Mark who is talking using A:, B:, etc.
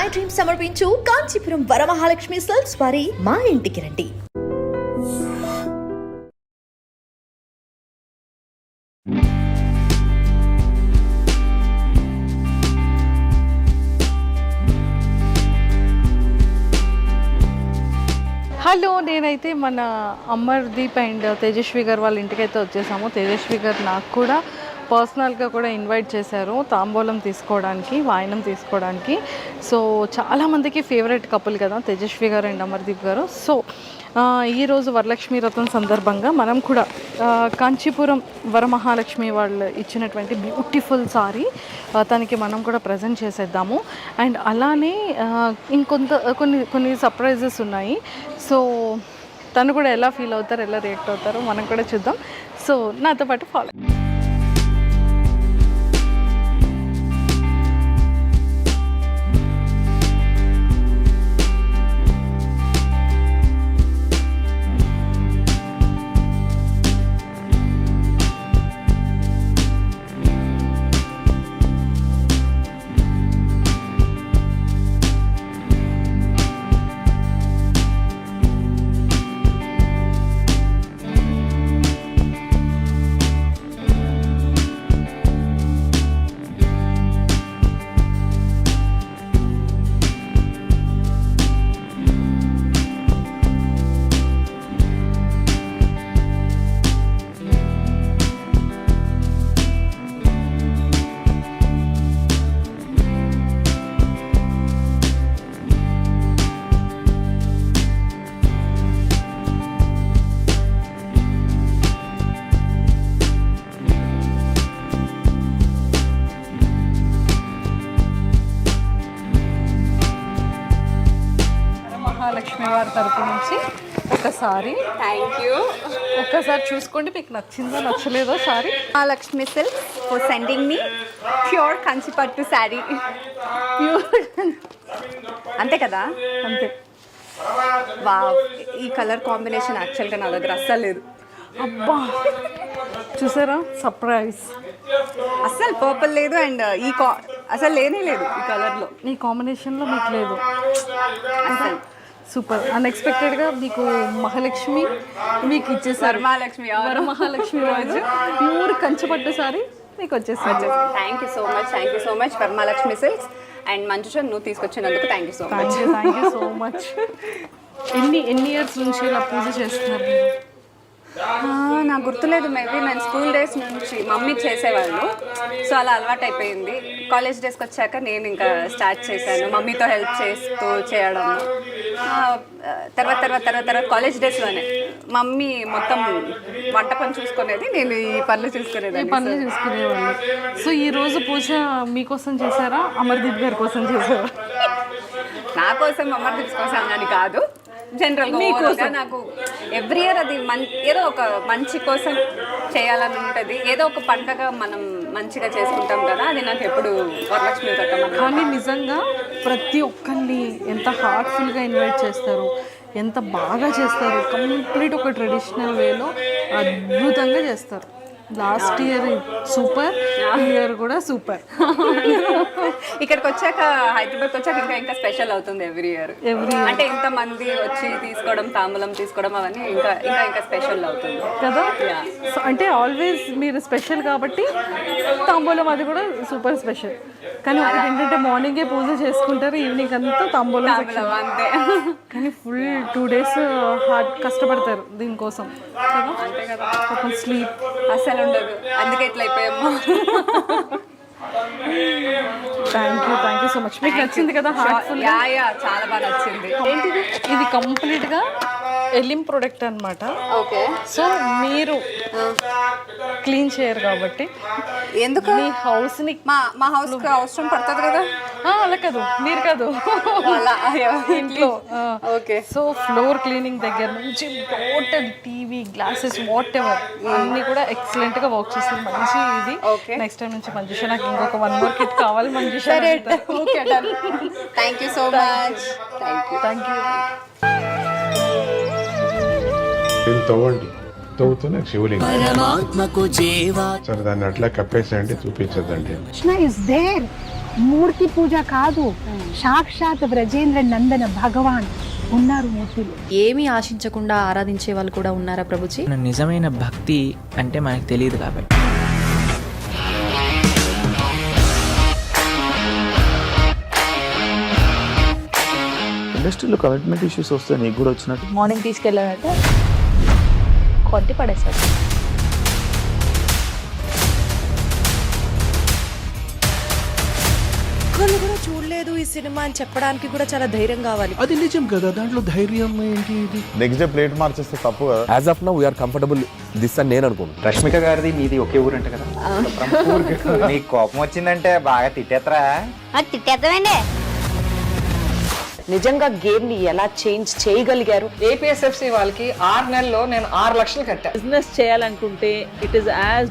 A: Dream సమర్పించు Kanchipuram Varamahalakshmi silks వారి మా ఇంటికి రండి.
B: హలో, నేనైతే మన అమర్దీప్ అండ్ తేజస్వి గారు వాళ్ళ ఇంటికైతే వచ్చేసాము. తేజస్వి గారు నాకు కూడా పర్సనల్గా కూడా ఇన్వైట్ చేశారు తాంబూలం తీసుకోవడానికి, వాయనం తీసుకోవడానికి. సో చాలామందికి ఫేవరెట్ కపుల్ కదా తేజస్వి గారు అండ్ అమర్దీప్ గారు. సో ఈరోజు వరలక్ష్మి వ్రతం సందర్భంగా మనం కూడా కాంచీపురం వరమహాలక్ష్మి వాళ్ళు ఇచ్చినటువంటి బ్యూటిఫుల్ సారీ తనకి మనం కూడా ప్రజెంట్ చేసేద్దాము. అండ్ అలానే కొన్ని సర్ప్రైజెస్ ఉన్నాయి. సో తను కూడా ఎలా ఫీల్ అవుతారు, ఎలా రియాక్ట్ అవుతారో మనం కూడా చూద్దాం. సో నాతో పాటు ఫాలో. మహాలక్ష్మి వారి తరపు నుంచి ఒకసారి
C: థ్యాంక్ యూ.
B: ఒక్కసారి చూసుకోండి మీకు నచ్చిందో నచ్చలేదో sorry.
C: Mahalakshmi silk for sending మీ ప్యూర్ కంచిపట్టు శారీ.
B: ప్యూర్
C: అంతే కదా?
B: అంతే.
C: వావ్, ఈ కలర్ కాంబినేషన్ యాక్చువల్గా నా దగ్గర అస్సలు లేదు.
B: అబ్బా చూసారా, సర్ప్రైజ్.
C: అస్సలు పర్పుల్ లేదు అండ్ అసలు లేనే లేదు ఈ కలర్లో.
B: ఈ కాంబినేషన్లో మీకు లేదు.
C: అసలు
B: సూపర్. అన్ఎక్స్పెక్టెడ్గా మీకు మహాలక్ష్మి మీకు ఇచ్చేసారు. వరమహాలక్ష్మి రోజు ప్యూర్ కంచిపట్టు సారీ మీకు వచ్చేసారు.
C: Thank you so much Varamahalakshmi silks and Manjusha నువ్వు తీసుకొచ్చినందుకు థ్యాంక్ యూ సో మచ్.
B: ఎన్ని ఇయర్స్ నుంచి ఇలా పూజ చేస్తున్నారు మీరు?
C: నాకు గుర్తులేదు. మేబీ నేను స్కూల్ డేస్ నుంచి మమ్మీ చేసేవాళ్ళు, సో అలా అలవాటు అయిపోయింది. కాలేజ్ డేస్కి వచ్చాక నేను ఇంకా స్టార్ట్ చేశాను మమ్మీతో హెల్ప్ చేస్తూ చేయడం. తర్వాత కాలేజ్ డేస్లోనే మమ్మీ మొత్తం వంట పని చూసుకునేది, నేను ఈ పనులు చూసుకునేవాళ్ళు.
B: సో ఈ రోజు పూజ మీకోసం చేశారా, అమర్దీప్ గారి కోసం చేశారా?
C: నా కోసం అమర్దీప్ కోసం అని కాదు, జనరల్గా నాకు ఎవ్రీ ఇయర్ అది ఏదో ఒక మంచి కోసం చేయాలని ఉంటుంది. ఏదో ఒక పండగ మనం మంచిగా చేసుకుంటాం కదా, అది నాకు ఎప్పుడు వరలక్ష్మి వ్రతం.
B: కానీ నిజంగా ప్రతి ఒక్కరిని ఎంత హార్ట్ఫుల్గా ఇన్వైట్ చేస్తారు, ఎంత బాగా చేస్తారు. కంప్లీట్ ఒక ట్రెడిషనల్ వేలో అద్భుతంగా చేస్తారు. లాస్ట్ ఇయర్ సూపర్, ఈ ఇయర్ కూడా సూపర్.
C: ఇక్కడికి వచ్చాక, హైదరాబాద్కి వచ్చాక ఇంకా స్పెషల్ అవుతుంది ఎవ్రీ ఇయర్. అంటే ఇంతమంది వచ్చి తీసుకోవడం, తాంబూలం తీసుకోవడం, అవన్నీ ఇంకా స్పెషల్ అవుతుంది
B: కదా. అంటే ఆల్వేస్ మీరు స్పెషల్ కాబట్టి తాంబూలం అది కూడా సూపర్ స్పెషల్. కానీ ఒకటి ఏంటంటే మార్నింగే పూజ చేసుకుంటారు, ఈవినింగ్ అంతా తాంబూలం
C: అంతే.
B: కానీ ఫుల్ 2 days హార్డ్ కష్టపడతారు దీనికోసం కదా.
C: అంతే కదా,
B: ఒక స్లీప్
C: అసలు ఉండదు, అందుకే ఇట్లా అయిపోయాము.
B: Thank you so much. మీకు నచ్చింది కదా హార్ట్ఫుల్?
C: చాలా బాగా నచ్చింది.
B: ఏంటిది? ఇది కంప్లీట్గా ఎలిమ్ ప్రొడక్ట్ అనమాట.
C: ఓకే.
B: సో మీరు క్లీన్ చేయరు కాబట్టి
C: ఎందుకు
B: మీ హౌస్ని
C: మా హౌస్కి అవసరం పడుతుంది కదా.
B: అలా కాదు, మీరు కాదు, ఇంట్లో.
C: ఓకే.
B: సో ఫ్లోర్ క్లీనింగ్ దగ్గర నుంచి total TV, glasses, whatever అన్ని కూడా ఎక్సలెంట్ గా వర్క్ చేస్తుంది. మంచి ఇది. నెక్స్ట్ టైం నుంచి మంజుష నాకు ఇంకొక 1 more kit కావాలి మంజుష.
C: Okay, done. Thank you so much.
B: Thank you.
D: తవ్వండి, తవ్వుతూనే శివలింగం. సరే దాన్ని అట్లా కప్పేసేయండి, చూపించదండి.
E: Krishna is there. మూర్తి పూజ కాదు, సాక్షాత్ బ్రజేంద్ర నందన భగవాన్ ఉన్నారు మూర్తిలో.
F: ఏమీ ఆశించకుండా ఆరాధించే వాళ్ళు కూడా ఉన్నారా ప్రభుజీ?
G: నిజమైన భక్తి అంటే మనకు తెలియదు కాబట్టి.
H: ఇండస్ట్రీలో కమిట్మెంట్ ఇష్యూస్ వస్తే నీకు కూడా వచ్చినట్టు.
E: మార్నింగ్ తీసుకెళ్ళాలంటే కొట్టి పడేస్తారు.
I: ఒక్కళ్ళు కూడా చూడలేదు ఈ సినిమా అని చెప్పడానికి కూడా చాలా ధైర్యం కావాలి.
J: అది నిజం కదా, దాంట్లో ధైర్యం ఏంటి? ఇది
H: నెక్స్ట్ డే ప్లేట్ మార్చేస్తే తప్పు కదా.
J: As of now we are comfortable this అని నేను అనుకుంటున్నాను.
K: రష్మిక గారిది మీది ఒకే ఊరు అంట కదా?
L: నీకు కోపం వచ్చిందంటే బాగా తిట్టేత్తరా?
C: తిట్టేద్దామండి.
I: నిజంగా గేమ్ ని ఎలా చేంజ్ చేయగలిగారు?
B: ఏపీఎస్ఎఫ్సి వాళ్ళకి 6 నెలల్లో నేను 6 లక్షలు కట్టా.
I: బిజినెస్ చేయాలనుకుంటే ఇట్ ఇస్ యాజ్